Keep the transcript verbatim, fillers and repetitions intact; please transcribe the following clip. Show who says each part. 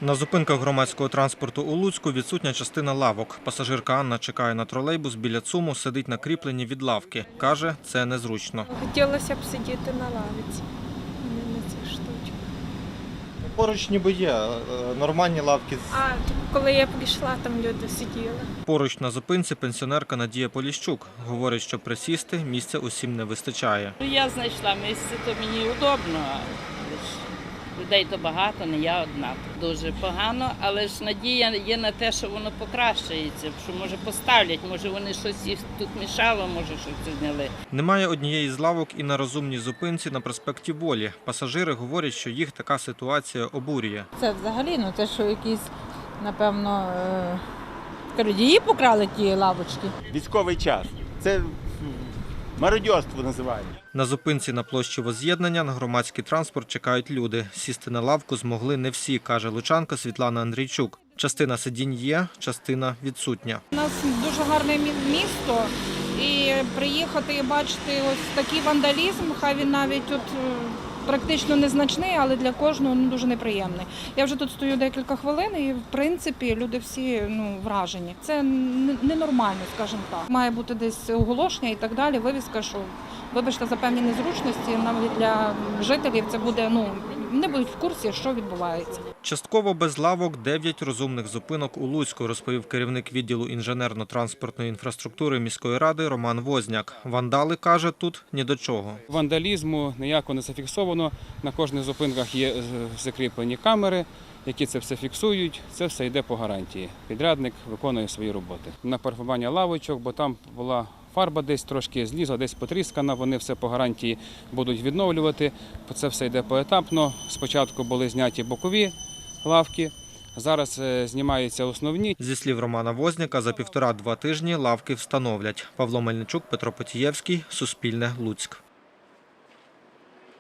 Speaker 1: На зупинках громадського транспорту у Луцьку відсутня частина лавок. Пасажирка Анна чекає на тролейбус біля ЦУМу, сидить на кріпленні від лавки. Каже, це незручно.
Speaker 2: Хотілося б сидіти на лавиці, не на цих штучках.
Speaker 3: Поруч ніби є нормальні лавки.
Speaker 2: А коли я прийшла, там люди сиділи.
Speaker 1: Поруч на зупинці пенсіонерка Надія Поліщук. Говорить, що присісти місця усім не вистачає.
Speaker 4: Я знайшла місце, то мені удобно. Але ж людей то багато, не я одна. Дуже погано, але ж надія є на те, що воно покращується, що може поставлять, може вони щось їх тут мішало, може щось зняли.
Speaker 1: Немає однієї з лавок і на розумній зупинці на проспекті Волі. Пасажири говорять, що їх така ситуація обурює.
Speaker 5: Це взагалі, ну те, що якісь, напевно, е, крадії покрали ті лавочки.
Speaker 6: Військовий час. Це мародьорство називають.
Speaker 1: На зупинці на площі Возз'єднання на громадський транспорт чекають люди. Сісти на лавку змогли не всі, каже лучанка Світлана Андрійчук. Частина сидінь є, частина відсутня.
Speaker 7: У нас дуже гарне місто, і приїхати і бачити ось такий вандалізм, хай він навіть тут практично незначний, але для кожного ну, дуже неприємний. Я вже тут стою декілька хвилин і, в принципі, люди всі ну, вражені. Це ненормально, скажімо так. Має бути десь оголошення і так далі, вивіска, що, вибачте, за певні незручності, навіть для жителів це буде, ну, не будуть в курсі, що відбувається.
Speaker 1: Частково без лавок дев'ять розумних зупинок у Луцьку, розповів керівник відділу інженерно-транспортної інфраструктури міської ради Роман Возняк. Вандали, каже, тут ні до чого.
Speaker 8: Вандалізму ніяко не зафіксовано. На кожних зупинках є закріплені камери, які це все фіксують. Це все йде по гарантії. Підрядник виконує свої роботи. На парфування лавочок, бо там була фарба десь трошки злізла, десь потріскана, вони все по гарантії будуть відновлювати. Це все йде поетапно. Спочатку були зняті бокові лавки, зараз знімаються основні.
Speaker 1: Зі слів Романа Возняка, за півтора-два тижні лавки встановлять. Павло Мельничук, Петро Потієвський, Суспільне, Луцьк.